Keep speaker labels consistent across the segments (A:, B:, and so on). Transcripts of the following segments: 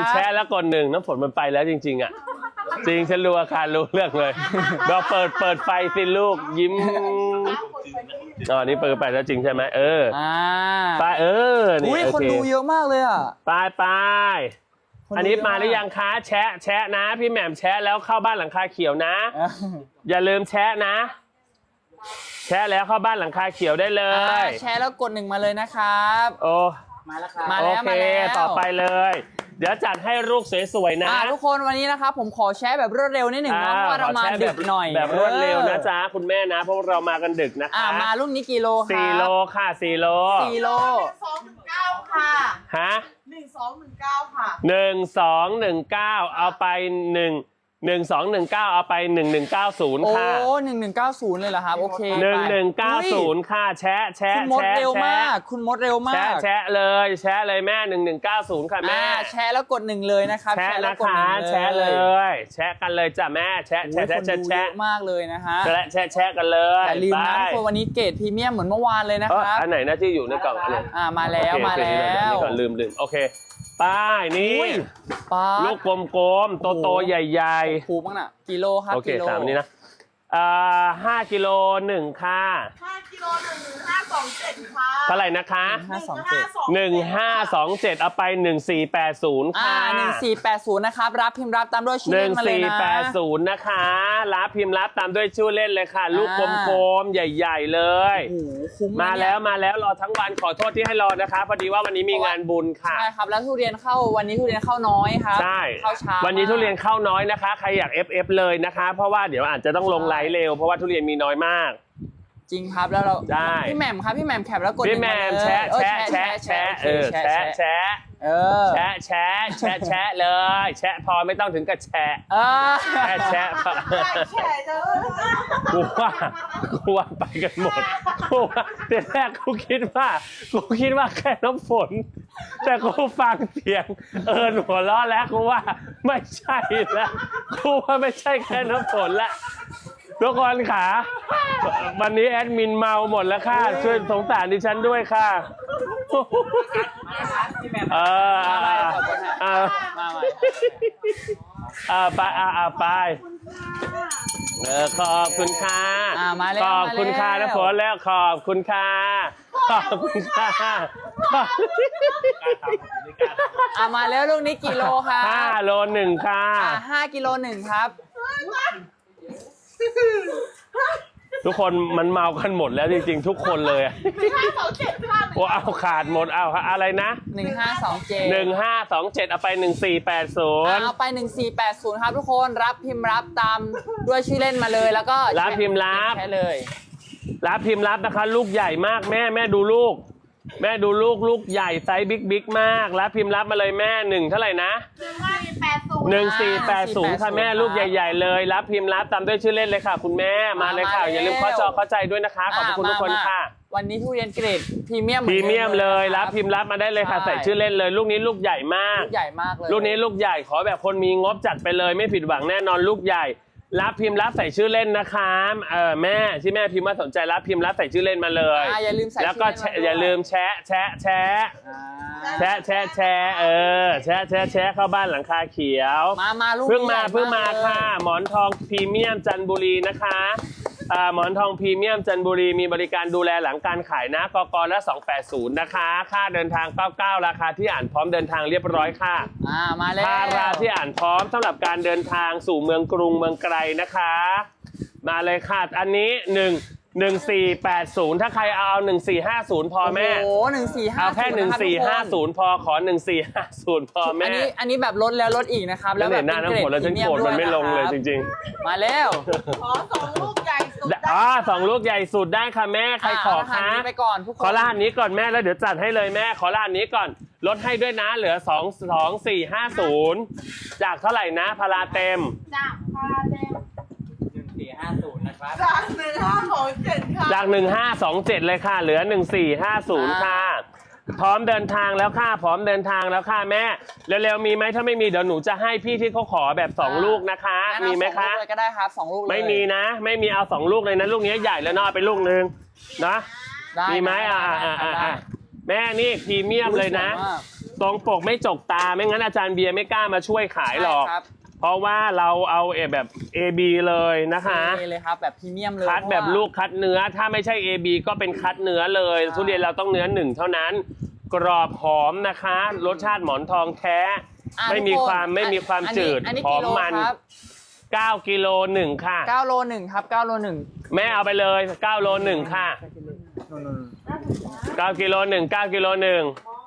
A: แชะแล้วกด1น้ำฝนมันไปแล้วจริงๆอ่ะจริงฉันรู้อาการรู้เรื่องเลยเราเปิดไฟสิลูกยิ้มอ๋อนี่เปิดไปแล้วจริงใช่ไหมไปนี่
B: คนดูเยอะมากเลยอ่ะ
A: ไปอันนี้มาหรือยังคะแชะนะพี่แหม่มแชะแล้วเข้าบ้านหลังคาเขียวนะอย่าลืมแชะนะแชะแล้วเข้าบ้านหลังคาเขียวได้เลย
B: แชะแล้วกด1มาเลยนะครับ
A: โอ้
B: มาแล้วครับโอเค
A: ต่อไปเลยเดี๋ยวจัดให้ลูกสวยๆนะ
B: ทุกคนวันนี้นะครับผมขอแชร์แบบรวดเร็วนิดหนึ่งนะเพราะว่าเรามาดึกหน่อย
A: แบบรวดเร็วนะจ๊ะคุณแม่นะเพราะเรามากันดึกนะคะ
B: มาลูกนี้กี่โลคะ
A: 4 โลค่ะ4 โล
C: 1219ค่ะ
A: ฮะ
C: 1219ค่ะ
A: 1219เอาไป1219เอาไป1190ค่ะ
B: โอ้1190เลยเหรอครับโอเค
A: 1190ค่ะแชะ
B: คุณมดเร็วมากคุณมดเร็วมาก
A: แชะเลยแม่1190ค่ะแม่
B: แชร์แล้วกด1เลยนะครับ
A: แชะนะคะแชะเลยแชะกันเลยจ้ะแม่แชะ
B: มากเลยนะฮะ
A: แชะกันเลย
B: อย่าลืมนะคนวันนี้เกรดพรีเมียมเหมือนเมื่อวานเลยนะครับ
A: อันไหนนะที่อยู่ในกล่องอันนี้
B: มาแล้ว
A: นี่ก่อนลืมโอเคป้ายนี่ลูกกลมๆโตๆใหญ่
B: ๆถูกมั้งน่ะกิโลครับ
A: โอเคตามนี้นะ5 กิโล1ค่ะ
C: 5 กิโล1527ค่ะ
A: เท่าไหร่นะคะ1527เอาไป1480ค่ะ
B: 1480นะครับรับพิมพ์รับตามด้วยชื่อเล่นมาเลยนะ
A: 1480นะคะรับพิมพ์รับตามด้วยชื่อเล่นเลยค่ะลูกกลมๆใหญ่ๆเลยมาแล้วรอทั้งวันขอโทษที่ให้รอนะคะพอดีว่าวันนี้มีงานบุญค่ะ
B: ใช่ครับแล้วทุเรียนเข้าวันนี้ทุเรียนเข้าน้อยครับ
A: ใช่
B: เข้าช้า
A: วันนี้ทุเรียนเข้าน้อยนะคะใครอยาก FF เลยนะคะเพราะว่าเดี๋ยวอาจจะต้องลงไลฟ์เร็วเพราะว่าทุเรียนมีน้อยมาก
B: จริงครับแล้วเรา
A: ได้
B: พี่แหม่มครับพี่แหม่มแคปแล้วกด
A: พี่แหม่มแชะเลยแชะพอไม่ต้องถึงกับแชะแชะกูว่าไปกันหมดกูว่าแต่แรกกูคิดว่าแค่น้ำฝนแต่กูฟังเสียงหัวล้อแล้วกูว่าไม่ใช่แล้วกูว่าไม่ใช่แค่น้ำฝนละทุกคนค่ะวันนี้แอดมินเมาหมดแล้วค่ะช่วยสงสารดิฉันด้วยค่ะไปขอบคุณค่ะขอบคุณค่ะนะฝนแล้วขอบคุณค่ะ
B: มาแล้วลูกนี้กิโลค่ะ
A: 5 โล 1ค่ะ
B: 5 กิโล 1ครับ
A: ทุกคนมันเมากันหมดแล้วจริงๆทุกคนเลย
C: 1527
A: ว่าเอาขาดหมดเอาอะไรนะ
B: 1527
A: เอาไป1480
B: เอาไป1480ครับทุกคนรับพิมพ์รับตามด้วยชื่อเล่นมาเลยแล้วก็
A: รับพิมพ์รับ
B: แค่เลย
A: รับพิมพ์รับนะคะลูกใหญ่มากแม่ดูลูกลูกใหญ่ไซส์บิ๊กมากรับพิมพ์รับมาเลยแม่เท่าไหร่นะ1480ค่ะแม่ลูกใหญ่ๆเลยรับพิมพ์รับตามด้วยชื่อเล่นเลยค่ะคุณแม่มาเลยค่ะอย่าลืมเข้าใจด้วยนะคะขอบคุณทุกคนค่ะ
B: วันนี้ทุเรียนเกรดพรีเมียม
A: เลยรับพิมพ์รับมาได้เลยค่ะใส่ชื่อเล่นเลยลูกนี้ลูกใหญ่มาก
B: เลย
A: ลูกนี้ลูกใหญ่ขอแบบคนมีงบจัดไปเลยไม่ผิดหวังแน่นอนลูกใหญ่รับพิมพ์รับใส่ชื่อเล่นนะคะแม่ที่แม่พิมพ์ว่าสนใจรับพิมพ์รับใส่ชื่อเล่นมาเลย
B: อย่าลืมใส่
A: แล้วก็อย่าลืมแชะเข้าบ้านหลังคาเขียว
B: มาลูก
A: เพิ่งมาค่ะหมอนทองพรีเมียมจันทบุรีนะคะหมอนทองพรีเมียมจันทบุรีมีบริการดูแลหลังการขายนะกกละ280นะคะค่าเดินทาง99ราคาที่อ่านพร้อมเดินทางเรียบร้อยค่ะ
B: มาแล้ว
A: พาราที่อ่านพร้อมสำหรับการเดินทางสู่เมืองกรุงเมืองไกลนะคะมาเลยค่ะอันนี้1480ถ้าใครเอา1450พอแม่
B: โอ้1450
A: เอาแค่1450พอขอ1450พอแม่
B: อันนี้แบบลดแล้วลดอีกนะครับ
A: แล้วแบบหน้าน้ำฝนแล้วฉันโกรธมันไม่ลงเลยจริง
B: ๆมาแล้ว
C: ขอ2 ลูกใหญ่สุด
A: 2 ลูกใหญ่สุดได้ค่ะแม่ใครขอคะ
B: ไปก่อนทุกคน
A: ขอรหัสนี้ก่อนแม่แล้วเดี๋ยวจัดให้เลยแม่ขอรหัสนี้ก่อนลดให้ด้วยนะเหลือ22450จากเท่าไหร่นะพาราเต็ม
C: จากพาราเต็ม
B: 1450นะครับ
C: จาก
A: 1527เลยค่ะเหลือ1450ค่ะพร้อมเดินทางแล้วค่ะแม่เร็วๆมีไหมถ้าไม่มีเดี๋ยวหนูจะให้พี่ที่เขาขอแบบ2 ลูกนะคะมีไหมคะ
B: ก็ได้ครับ2 ลูกเลย
A: ไม่มีนะไม่มีเอา2 ลูกเลยนะลูกนี้ใหญ่แล้วเนาะไปลูกนึงนะมีไหมแม่นี่พรีเมียมเลยนะ
B: สวมาก
A: ตรงปกไม่จกตาไม่งั้นอาจารย์เบียร์ไม่กล้ามาช่วยขายหรอก
B: ใช่ครับ
A: เพราะว่าเราเอาแบบ AB เลยนะคะ
B: นี่เลยครับแบบพรีเมียมเลย
A: คัดแบบ
B: เพราะว่า
A: ลูกคัดเนื้อถ้าไม่ใช่ AB ก็เป็นคัดเนื้อเลย
B: ใช่
A: ทุเรียนเราต้องเนื้อ1เท่านั้น กรอบหอมนะคะ รสชาติหมอนทองแท้
B: อ่ะ
A: ไม่มี
B: ทุกน
A: ความ
B: อันนี้
A: จืด
B: อันนี้
A: หอ
B: กิ
A: ม
B: โล
A: มัน
B: ครับ
A: 9กิโล1ค่ะ
B: 9โล1ครับ9โล1
A: แม่เอาไปเลย9โล1ค่ะ9กิโล1 9กิโล1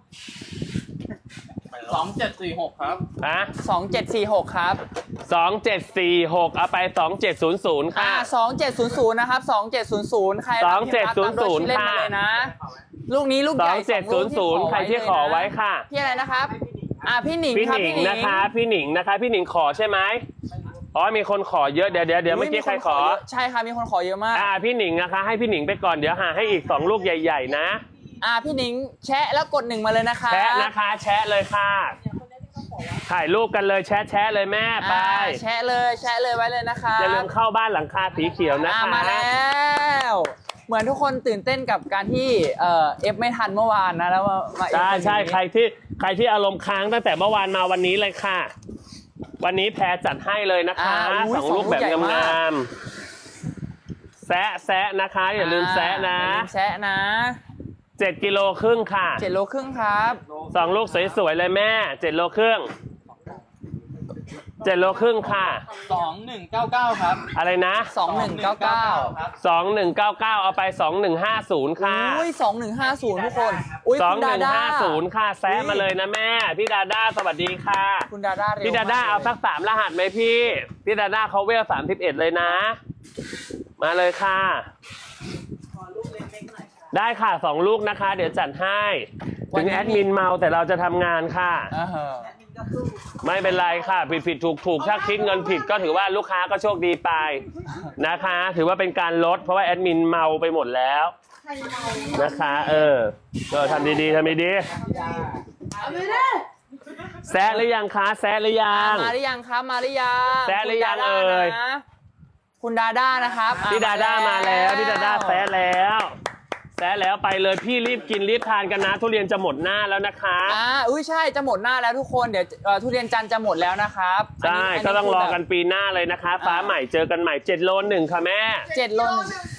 D: 2746 ครับ
A: อะ
B: 2746ครับ
A: 2746เอาไป2700ค่ะ
B: 2700นะครับ2700ใครรับพิมพ์รับตามด้วยชื่อเล่นมาเลยนะ ลูกนี้ลูกใหญ่
A: 2700ใครที่ขอไว้ค่ะ
B: พี่อะไรนะครับพี่หนิง
A: พี่
B: ครับ
A: หนิ
B: พี่
A: ง
B: หนิง
A: นะคะพี่หนิงนะคะพี่หนิงขอใช่ไหมอ๋อมีคนขอเยอะเดี๋ยวเมื่อกี้ใครขอ
B: ใช่ครับมีคนขอเยอะมาก
A: พี่หนิงนะคะให้พี่หนิงไปก่อนเดี๋ยวหาให้อีก2ลูกใหญ่ๆนะ
B: พี่หนิงแชะแล้วกด1มาเลยนะคะ
A: แชะนะคะแชะเลยค่ะถ่ายรูปกันเลยแชะเลยแม่ไป
B: แชะเลยไว้เลยนะคะ
A: อย่าลืมเข้าบ้านหลังคาสีเขียวนะคะ
B: มาแล้ว เหมือนทุกคนตื่นเต้นกับการที่เอฟไม่ทันเมื่อวานนะแล้วมาเอฟ
A: ใช่
B: วันนี้
A: ใครที่อารมณ์ค้างตั้งแต่เมื่อวานมาวันนี้เลยค่ะ วันนี้แพรจัดให้เลยนะคะ2ลูกแบบงามๆแซะนะคะอย่าลืมแซะนะ
B: อย่าลืมแซะนะ
A: 7กิโลครึ่งค่ะ
B: 7โลครึ่งครับ
A: 2ลูกสวยๆเลยแม่7โลครึ่ง7โลครึ่งค่ะ
D: 2199 ครับ
A: อะไรนะ
B: 2199
D: ครับ
A: 2199เอาไป2150ค่ะ
B: อุ้ย2150ทุกคนอุ้ยคุณดาด้า
A: 2150ค่ะแซะมาเลยนะแม่พี่ดาด้าสวัสดีค่ะ
B: คุณดาด้าเร็ว
A: พี่ดาด้าเอาสัก3รหัสไหมพี่ดาด้าเขาเวล31เลยนะ มาเลยค่ะ ได้ค่ะ2ลูกนะคะ เดี๋ยวจัดให้ถึงแอดมินเมาแต่เราจะทำงานค่ะ ไม่เป็นไรค่ะผิดถูกถ้าคิดเงินผิดก็ถือว่าลูกค้าก็โชคดีไปนะคะ ถือว่าเป็นการลดเพราะว่าแอดมินเมาไปหมดแล้วนะคะทำดีๆ
C: เอาไปเลย
A: แซะหรือยังคะแซะหรือยัง
B: มาหรือยังครับมาหรือยัง
A: แซะหรือยัง
B: คุณดาด้า
A: เอ่ย
B: นะคุณดาด้านะครับ
A: พี่ดาด้ามาแล้วพี่ดาด้าแซะแล้วไปเลยพี่รีบกินรีบทานกันนะทุเรียนจะหมดหน้าแล้วนะคะ
B: อุ้ยใช่จะหมดหน้าแล้วทุกคนเดี๋ยวทุเรียนจันทร์จะหมดแล้วนะครับ
A: ใช่ก็ต้องรอกันปีหน้าเลยนะคะ ฟ้าใหม่เจอกันใหม่7โล1ค่ะแม่
B: 7โล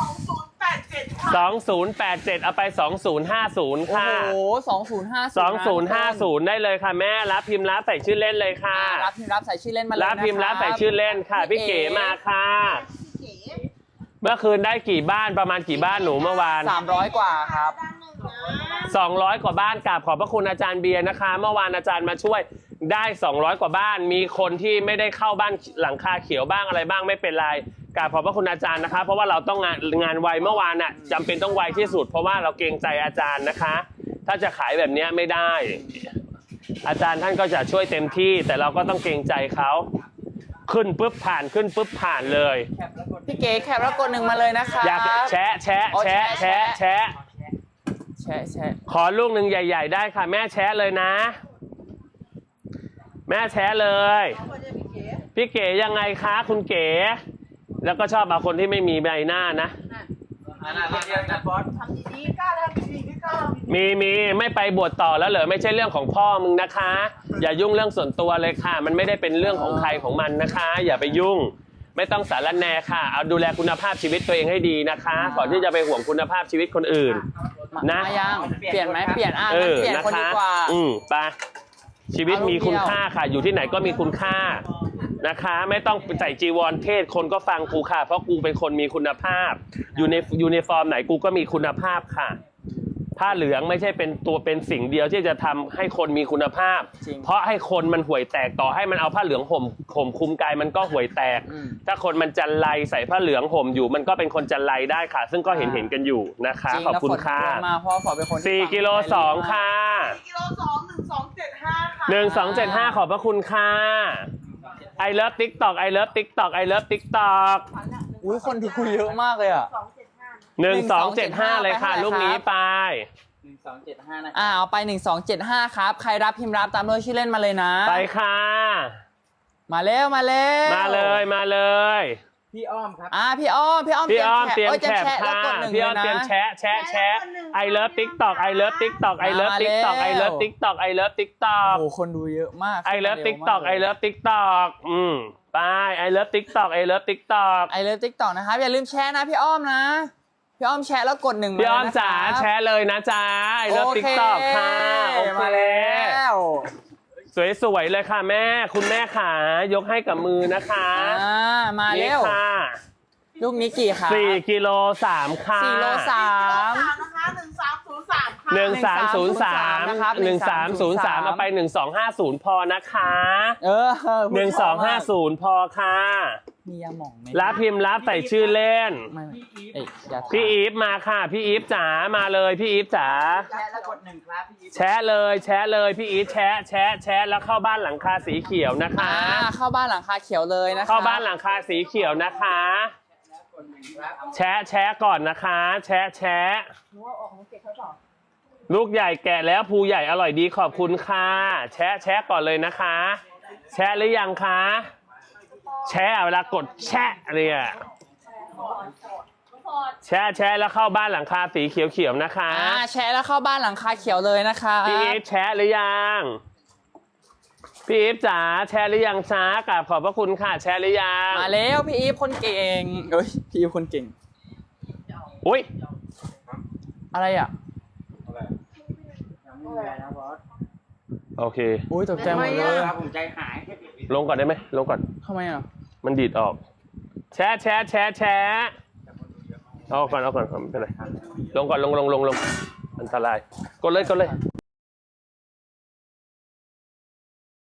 C: 2087
A: เอาไป2050ค่ะ
B: โอ้โห2050
A: ได้เลยค่ะแม่รับพิมพ์รับใส่ชื่อเล่นเลยค่ะ
B: รับพิมพ์รับใส่ชื่อเล่นมาเลย
A: รับพิมพ์รับใส่ชื่อเล่นค่ะพี่เก๋มาค่ะ เมื่อคืนได้กี่บ้านประมาณกี่บ้านหนูเมื่อวาน
B: 300กว่าครับ
A: 200 กว่าบ้านกราบขอบพระคุณอาจารย์เบียร์นะคะ เมื่อวานอาจารย์มาช่วยได้200 กว่าบ้าน มีคนที่ไม่ได้เข้าบ้านหลังคาเขียวบ้างอะไรบ้างไม่เป็นไรกราบขอบพระคุณอาจารย์นะคะ เพราะว่าเราต้องงานไวเมื่อวานน่ะจำเป็นต้องไวที่สุด เพราะว่าเราเกรงใจอาจารย์นะคะ ถ้าจะขายแบบนี้ไม่ได้ อาจารย์ท่านก็จะช่วยเต็มที่ แต่เราก็ต้องเกรงใจเขาขึ้นปุ๊บผ่านขึ้นปุ๊บผ่านเลย
B: พี่เก๋แคปแล้วกด1มาเลยนะคะ
A: อยากแชะ
B: แชะ
A: ขอลูกหนึ่งใหญ่ๆได้ค่ะแม่แชะเลยนะ แม่แชะเลย พี่เก๋ยังไงคะคุณเก๋แล้วก็ชอบเอาคนที่ไม่มีใบหน้านะ
C: ทำดีๆกล้าทำดีๆกล้าทำดี
A: มีไม่ไปบวชต่อแล้วเหรอไม่ใช่เรื่องของพ่อมึงนะคะ อย่ายุ่งเรื่องส่วนตัวเลยค่ะ มันไม่ได้เป็นเรื่องของใครของมันนะคะ อย่าไปยุ่ง ไม่ต้องสารแหนค่ะเอาดูแลคุณภาพชีวิตตัวเองให้ดีนะคะก่อนที่จะไปห่วงคุณภาพชีวิตคนอื่น นะ
B: มายังเปลี่ยนไหมเปลี่ยนงั้นเปลี่ยน
A: นะ
B: คนดี
A: คะ
B: กว่า
A: ไปชีวิตมีคุณค่าค่ะ อยู่ที่ไหนก็มีคุณค่านะคะ ไม่ต้องใส่จีวรเทศคนก็ฟังกูค่ะ เพราะกูเป็นคนมีคุณภาพ อยู่ในยูนิฟอร์มไหนกูก็มีคุณภาพค่ะ ผ้าเหลืองไม่ใช่เป็นตัวเป็นสิ่งเดียวที่จะทำให้คนมีคุณภาพ
B: จริง
A: เพราะให้คนมันห่วยแตกต่อให้มันเอาผ้าเหลืองห่มคลุมกายมันก็ห่วยแตก ถ้าคนมันจันไรใส่ผ้าเหลืองห่มอยู่มันก็เป็นคนจันไรได้ค่ะ ซึ่งก็เห็นกันอยู่นะคะ
B: จริง
A: ขอบคุณ
B: แล้วฝน
A: ค่ะ
B: ตกมาเพราะว่าฝนเป็นคนที่
A: 4กิโล2ค่ะ
C: กิโล2 1275 ค่ะ
A: 1275ขอบพระคุณค่ะ I love TikTok I love TikTok I love TikTok
B: อุ้ยคนที่คุยเยอะมากเลยอ่ะ
A: 1275เลยค่ะ
B: ไปเท่าไหร่
A: ลูกนี้ไป
D: 1275 นะ
B: เอาไป1275ครับใครรับพิมพ์รับตามด้วยชื่อเล่นมาเลยนะ
A: ไปค่ะ
B: มาแล้ว
A: มาเลย
D: พี่อ้อมครับ
B: พี่อ้อม
A: พี่อ้อมเตรียม
B: จะ
A: แคป
B: แล้ว
A: ค่ะ
B: กดหนึ่ง
A: พี่อ้อม
B: ล
A: เตรียม
B: นะ
A: แชะI love TikTok I love TikTok I love TikTok I love TikTok I love TikTok
B: โอ้โหคนดูเยอะมาก
A: I love TikTok I love TikTok ไป I love TikTok I love TikTok
B: ไอเลิฟติ๊กต็อกนะครับอย่าลืมแชร์นะพี่อ้อมนะพี่อ้อมแชร์แล้วกดหนึ่ง
A: พี่อ้อม
B: เลยนะ
A: จ๋า
B: ครับ
A: แชร์เลยนะจ๊ะ I love TikTok ค่ะโอเค
B: มาแล้ว
A: สวยๆเลยค่ะแม่คุณแม่ขายกให้กับมือนะคะ
B: มา
A: นี่
B: เร็ว
A: ค่ะ
B: ลูกนี้กี่ขา
A: 4กิโล3ค่ะ
B: 4โล3
C: นะคะ1303ค่ะ
A: 1303เอาไป1250พอนะคะ 1250พอค่ะ
B: มียาหม่องไหม
A: รับพิมพ์รับใส่ชื่อเล่น
B: ไม่เอ้ยอย่า
A: พี่อีฟมาค่ะพี่อีฟจ๋ามาเลยพี่อีฟจ๋า
D: แชร์แล้วกด1ครับพี่อีฟ
A: แชะเลยพี่อีฟแชะแล้วเข้าบ้านหลังคาสีเขียวนะคะ
B: เข้าบ้านหลังคาเขียวเลยนะคะ
A: เข้าบ้านหลังคาสีเขียวนะคะ
D: กด1ครับ
A: แชะก่อนนะคะแชะลูกใหญ่แกะแล้วภูใหญ่อร่อยดีขอบคุณค่ะแชะก่อนเลยนะคะ แชะหรือยังคะแชะเวลากดแชะเนี่ยแชะแล้วเข้าบ้านหลังคาสีเขียวๆนะคะ
B: แชร์แล้วเข้าบ้านหลังคาเขียวเลยนะคะ
A: พี่อีฟแชะหรือยังพี่อีฟจ๋าแชะหรือยังช้ากราบขอบพระคุณค่ะแชะหรือยัง
B: มาแล้วพี่อีฟคนเก่งเอ้ยพี่อีฟคนเก่ง
A: อุ้ย
B: อะไรอ่ะ
D: ยังไม่มีอะไรนะบอส
A: โอเค
B: อุ้ยตกใจหมดเลย
D: ครับผมใจหาย
A: ลงก่อนได้ไหมลงก่อน
B: ทำไมอ่ะ
A: มันดีดออกแชะเอาก่อนไม่เป็นไรลงก่อนลงอันตรายกดเลย